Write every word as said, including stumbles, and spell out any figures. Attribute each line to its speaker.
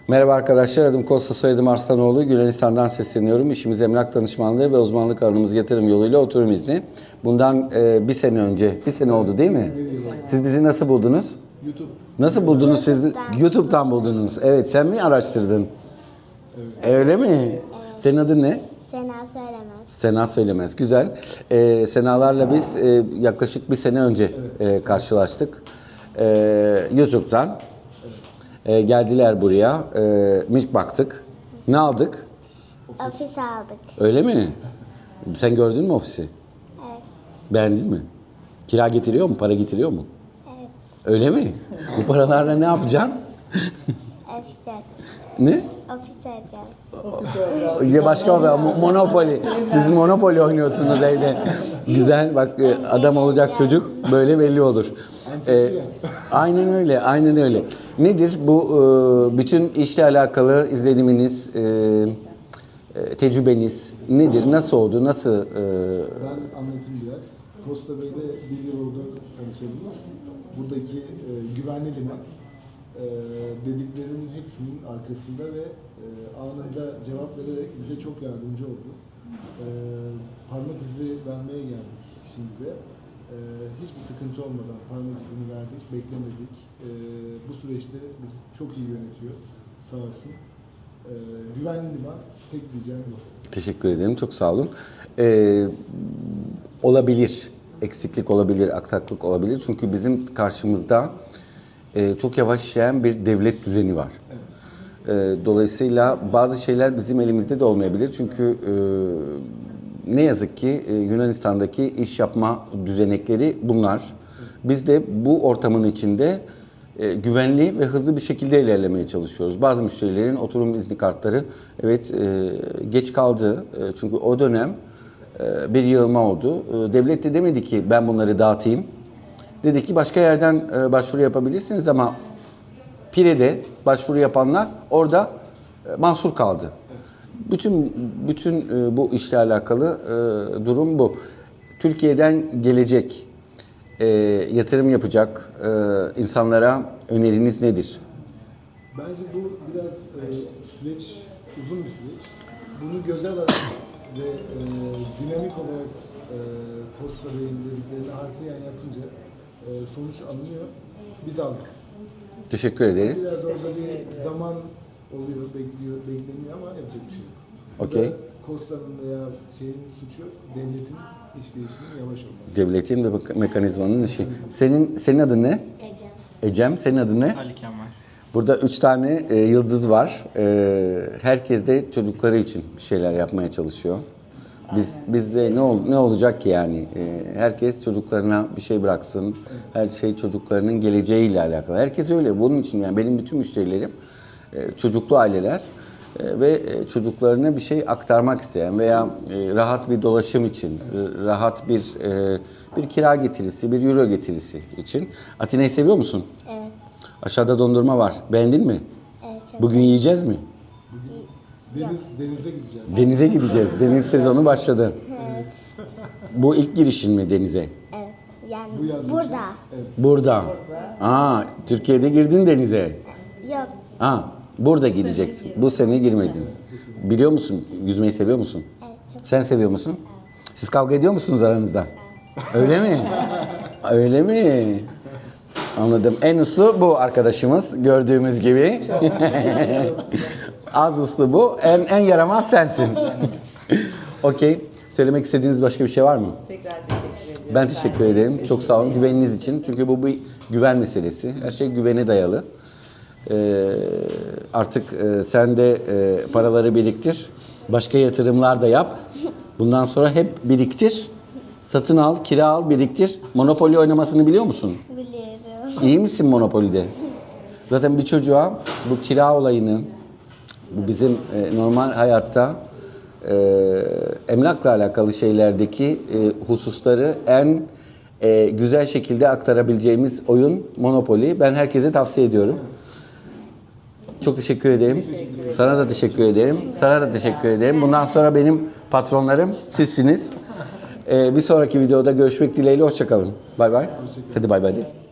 Speaker 1: Merhaba arkadaşlar, adım Kosta, soyadım Arslanoğlu. Yunanistan'dan sesleniyorum. İşimiz emlak danışmanlığı ve uzmanlık alanımız yatırım yoluyla oturum izni. Bundan e, bir sene önce, bir sene oldu değil mi? Siz bizi nasıl buldunuz?
Speaker 2: YouTube.
Speaker 1: Nasıl buldunuz siz? YouTube'dan buldunuz. Evet, sen mi araştırdın? Evet. Öyle mi? Senin adın ne?
Speaker 3: Sena Söylemez.
Speaker 1: Sena Söylemez. Güzel. Ee, Senalarla biz e, yaklaşık bir sene önce e, karşılaştık. E, YouTube'dan. E, geldiler buraya. E, milk baktık. Ne aldık?
Speaker 3: Ofis aldık.
Speaker 1: Öyle mi? Sen gördün mü ofisi?
Speaker 3: Evet.
Speaker 1: Beğendin mi? Kira getiriyor mu? Para getiriyor mu?
Speaker 3: Evet.
Speaker 1: Öyle mi? Bu paralarla ne yapacaksın?
Speaker 3: Ofis aldık.
Speaker 1: Ne?
Speaker 3: Ofis aldık.
Speaker 1: Ya başka bir Monopoly. Siz Monopoly oynuyorsunuz evde. Güzel bak, adam olacak çocuk böyle belli olur. Ee, aynen öyle, aynen öyle. Nedir bu e, bütün işle alakalı izleniminiz, e, e, tecrübeniz nedir? Nasıl oldu? Nasıl? E...
Speaker 2: Ben anlatayım biraz. Costa Bey'de bir yıl oldu tanışabiliriz. Buradaki e, güvenli liman e, dediklerinin hepsinin arkasında ve e, anında cevap vererek bize çok yardımcı oldu. E, parmak izi vermeye geldik şimdi de. E, hiçbir sıkıntı olmadan parmak izini verdik, beklemedik. E, bu süreçte bizi çok iyi yönetiyor, sağ olsun. E, güvenli liman, tek diyeceğim bu.
Speaker 1: Teşekkür ederim, çok sağ olun. Ee, olabilir, eksiklik olabilir, aksaklık olabilir. Çünkü bizim karşımızda e, çok yavaş işleyen bir devlet düzeni var. E, dolayısıyla bazı şeyler bizim elimizde de olmayabilir. Çünkü e, ne yazık ki e, Yunanistan'daki iş yapma düzenekleri bunlar. Biz de bu ortamın içinde e, güvenli ve hızlı bir şekilde ilerlemeye çalışıyoruz. Bazı müşterilerin oturum izni kartları evet e, geç kaldı. E, çünkü o dönem e, bir yığılma oldu. E, devlet de demedi ki ben bunları dağıtayım. Dedi ki başka yerden e, başvuru yapabilirsiniz ama Pire'de başvuru yapanlar orada e, mahsur kaldı. Bütün bütün e, bu işle alakalı e, durum bu. Türkiye'den gelecek, e, yatırım yapacak e, insanlara öneriniz nedir?
Speaker 2: Bence bu biraz e, süreç, uzun bir süreç. Bunu göze alarak ve e, dinamik olarak e, Costa Bey'in dediklerini harfiyen yapınca e, sonuç alınıyor. Biz aldık.
Speaker 1: Teşekkür ederiz.
Speaker 2: Biraz orada bir zaman oluyor, bekliyor, bekleniyor ama yapacak bir şey yok.
Speaker 1: Okey.
Speaker 2: Costa'nın veya şeyin suçu devletin işleyişinin yavaş olması.
Speaker 1: Devletin ve mekanizmanın işi. Senin senin adın ne?
Speaker 3: Ecem.
Speaker 1: Ecem, senin adın ne?
Speaker 4: Ali Kemal.
Speaker 1: Burada üç tane e, yıldız var. E, herkes de çocukları için bir şeyler yapmaya çalışıyor. Biz bizde ne ol, ne olacak ki yani? E, herkes çocuklarına bir şey bıraksın. Her şey çocuklarının geleceğiyle alakalı. Herkes öyle. Bunun için yani benim bütün müşterilerim e, çocuklu aileler e, ve e, çocuklarına bir şey aktarmak isteyen veya e, rahat bir dolaşım için, e, rahat bir e, bir kira getirisi, bir euro getirisi için. Atina'yı seviyor musun?
Speaker 3: Evet.
Speaker 1: Aşağıda dondurma var. Beğendin mi?
Speaker 3: Evet. Çok
Speaker 1: Bugün yiyeceğiz mi?
Speaker 2: Deniz, denize gideceğiz.
Speaker 1: Denize gideceğiz. Deniz sezonu başladı.
Speaker 3: Evet.
Speaker 1: Bu ilk girişin mi denize?
Speaker 3: Evet. Yani
Speaker 2: Bu yaz için.
Speaker 3: burada.
Speaker 1: Burada. Aa, Türkiye'de girdin denize.
Speaker 3: Yok.
Speaker 1: Aa, burada gideceksin. Bu sene girmedin. Biliyor musun? Yüzmeyi seviyor musun?
Speaker 3: Evet. Çok.
Speaker 1: Sen seviyor musun? Siz kavga ediyor musunuz aranızda? Öyle mi? Öyle mi? Anladım. En uslu bu arkadaşımız gördüğümüz gibi. Az uslu bu. En en yaramaz sensin. Okey. Söylemek istediğiniz başka bir şey var mı?
Speaker 5: Tekrar teşekkür ederim.
Speaker 1: Ben teşekkür ederim. Çok sağ olun güveniniz için. Çünkü bu bir güven meselesi. Her şey güvene dayalı. Ee, artık e, sen de e, paraları biriktir. Başka yatırımlar da yap. Bundan sonra hep biriktir. Satın al, kira al, biriktir. Monopoly oynamasını biliyor musun?
Speaker 3: Biliyorum.
Speaker 1: İyi misin Monopoly'de? Zaten bir çocuğa bu kira olayını, bu bizim e, normal hayatta e, emlakla alakalı şeylerdeki e, hususları en e, güzel şekilde aktarabileceğimiz oyun Monopoly. Ben herkese tavsiye ediyorum. Çok teşekkür ederim. Sana da teşekkür ederim. Sana da teşekkür ederim. Bundan sonra benim patronlarım sizsiniz. E, bir sonraki videoda görüşmek dileğiyle. Hoşça kalın. Bay bay. Hadi bay bay de.